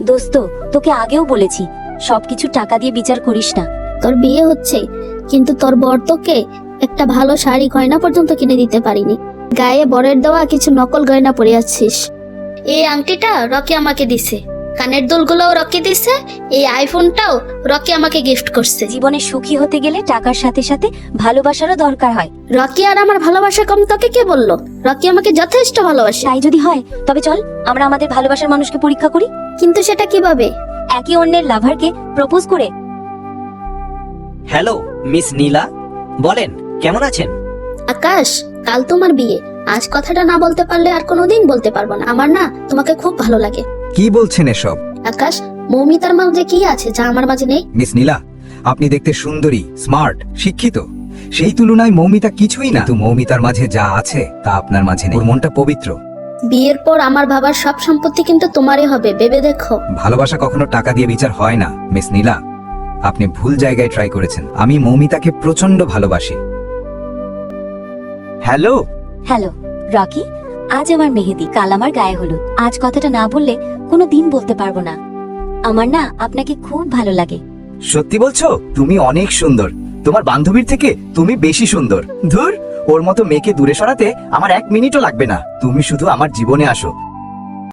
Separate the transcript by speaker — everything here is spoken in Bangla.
Speaker 1: দোস্ত, তোকে আগেও বলেছি সবকিছু টাকা দিয়ে বিচার করিস না।
Speaker 2: তোর বিয়ে হচ্ছে, কিন্তু তোর বর তোকে একটা ভালো শাড়ি গয়না পর্যন্ত কিনে দিতে পারিনি। গায়ে বরের দেওয়া কিছু নকল গয়না পরে আছিস। এই আংটিটা রকি আমাকে দিছে, কানের দুলগুলোও রকি দিছে, এই আইফোনটাও রকি আমাকে গিফট করছে।
Speaker 1: জীবনে সুখী হতে গেলে টাকার সাথে সাথে ভালোবাসারও দরকার হয়।
Speaker 2: রকি আর আমার ভালোবাসা কম তোকে কে বললো? রকি আমাকে যথেষ্ট ভালোবাসে।
Speaker 1: তাই যদি হয় তবে চল আমরা আমাদের ভালোবাসার মানুষকে পরীক্ষা করি।
Speaker 2: কিন্তু সেটা কিভাবে?
Speaker 1: একে অন্যের লাভারকে প্রপোজ করে।
Speaker 3: হ্যালো মিস নীলা, বলেন কেমন আছেন?
Speaker 2: আকাশ, কাল তোমার বিয়ে, আজ কথাটা না বলতে পারলে আর কোনোদিন বলতে পারবো না। আমার না তোমাকে খুব ভালো লাগে।
Speaker 4: কি বলছেন এসব?
Speaker 2: আকাশ, মৌমিতার মাঝে কি আছে যা আমার মাঝে নেই?
Speaker 4: মিস নীলা, আপনি দেখতে সুন্দরী, স্মার্ট, শিক্ষিত। সেই তুলনায় মৌমিতা কিছুই না। কিন্তু মৌমিতার মাঝে যা আছে তা আপনার মাঝে নেই। ওর মনটা পবিত্র।
Speaker 2: বিয়ের পর আমার বাবার সব সম্পত্তি কিন্তু তোমারই হবে, ভেবে দেখো।
Speaker 4: ভালোবাসা কখনো টাকা দিয়ে বিচার হয় না মিস নীলা। আপনি ভুল জায়গায় ট্রাই করেছেন। আমি মৌমিতাকে প্রচন্ড ভালোবাসি। হ্যালো।
Speaker 1: হ্যালো রকি, আজ আমার মেহেদি, কাল আমার গায়ে হলুদ। আজ কথাটা না বললে কোনো দিন বলতে পারবো না। আমার না আপনাকে খুব ভালো লাগে।
Speaker 4: সত্যি বলছো? তুমি অনেক সুন্দর। তোমার বান্ধবীর থেকে তুমি বেশি সুন্দর। ধুর, ওর মতো মেয়েকে দূরে সরাতে আমার 1 মিনিটও লাগবে না। তুমি শুধু আমার জীবনে আসো,